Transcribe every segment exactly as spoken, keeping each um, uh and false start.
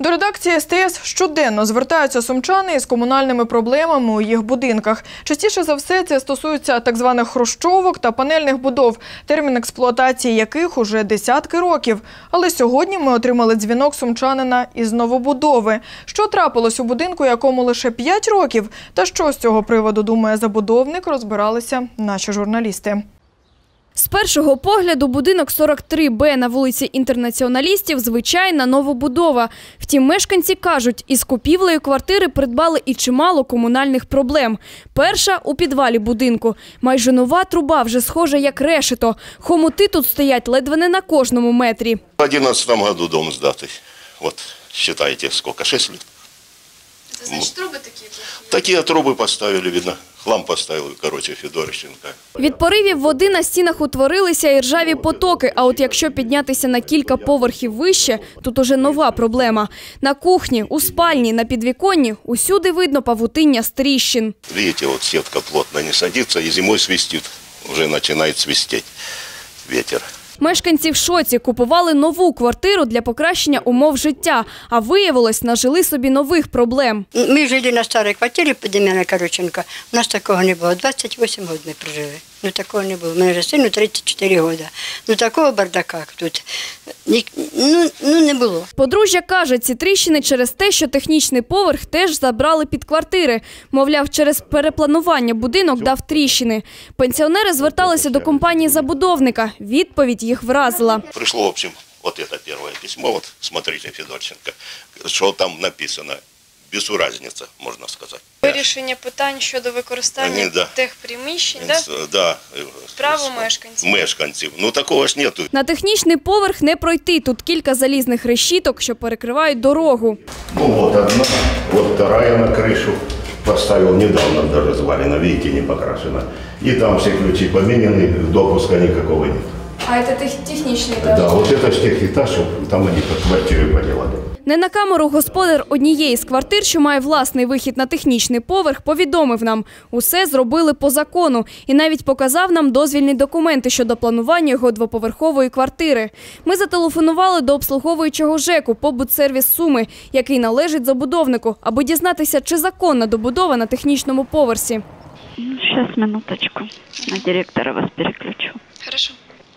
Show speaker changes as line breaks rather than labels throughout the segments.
До редакції ес те ес щоденно звертаються сумчани із комунальними проблемами у їх будинках. Частіше за все це стосується так званих хрущовок та панельних будов, термін експлуатації яких уже десятки років. Але сьогодні ми отримали дзвінок сумчанина із новобудови. Що трапилось у будинку, якому лише п'ять років? Та що з цього приводу думає забудовник, розбиралися наші журналісти.
З першого погляду будинок сорок три Б на вулиці Інтернаціоналістів – звичайна новобудова. Втім, мешканці кажуть, із купівлею квартири придбали і чимало комунальних проблем. Перша – у підвалі будинку. Майже нова труба, вже схожа як решето. Хомути тут стоять ледве не на кожному метрі.
В одиннадцатом году дом сдатый. Вот, считайте, сколько, шесть лет.
Это значит, трубы такие плохие?
Такие трубы поставили, видно. Хлам поставил, короче, Федорченко.
Від поривів води на стінах утворилися і ржаві потоки, а от якщо піднятися на кілька поверхів вище, тут уже нова проблема. На кухні, у спальні, на підвіконні – усюди видно павутиння з тріщин.
Видите, вот сетка плотно не садится и зимой свистит. Уже начинает свистеть ветер.
Мешканці в шоці, купували нову квартиру для покращення умов життя, а виявилось, нажили собі нових проблем.
Ми жили на старій квартирі по Дем'яна Короченка, у нас такого не було, двадцять вісім років ми прожили. Ну такого не було, у мене вже сину тридцять чотири роки. Ну такого бардака тут ну, ну, не було.
Подружжя каже, ці тріщини через те, що технічний поверх теж забрали під квартири. Мовляв, через перепланування будинок дав тріщини. Пенсіонери зверталися до компанії-забудовника. Відповідь їх вразила.
Пришло, в общем, вот это первое письмо, вот смотрите, Федорченко, что там написано. Без разницы, можна сказати.
Вирішення питань щодо використання
да.
тих приміщень, да?
Да.
Право мешканців.
Мешканців. Ну такого ж нету.
На технічний поверх не пройти. Тут кілька залізних решіток, що перекривають дорогу.
Ну вот одна, вот вторая на крышу. Поставил недавно, даже звалено, видите, не покрашено. И там все ключи поменены, допуска никакого нет.
А это технічний этаж?
Да, вот это ж техэтаж, там они под квартиры поделали.
Не на камеру господар однієї з квартир, що має власний вихід на технічний поверх, повідомив нам. Усе зробили по закону і навіть показав нам дозвільні документи щодо планування його двоповерхової квартири. Ми зателефонували до обслуговуючого ЖЕКу «Побутсервіс Суми», який належить забудовнику, аби дізнатися, чи законна добудова на технічному поверсі.
Зараз, минуточку. На директора вас переключу.
Хорошо.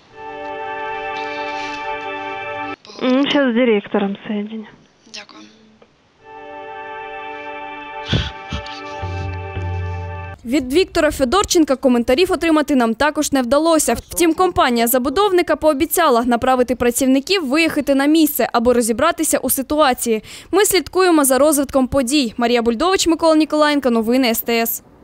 Сейчас с директором соединю.
Дякую.
Від Віктора Федорченка коментарів отримати нам також не вдалося. Втім, компанія забудовника пообіцяла направити працівників виїхати на місце, аби розібратися у ситуації. Ми слідкуємо за розвитком подій. Марія Бульдович, Микола Ніколаєнко, новини ес те ес.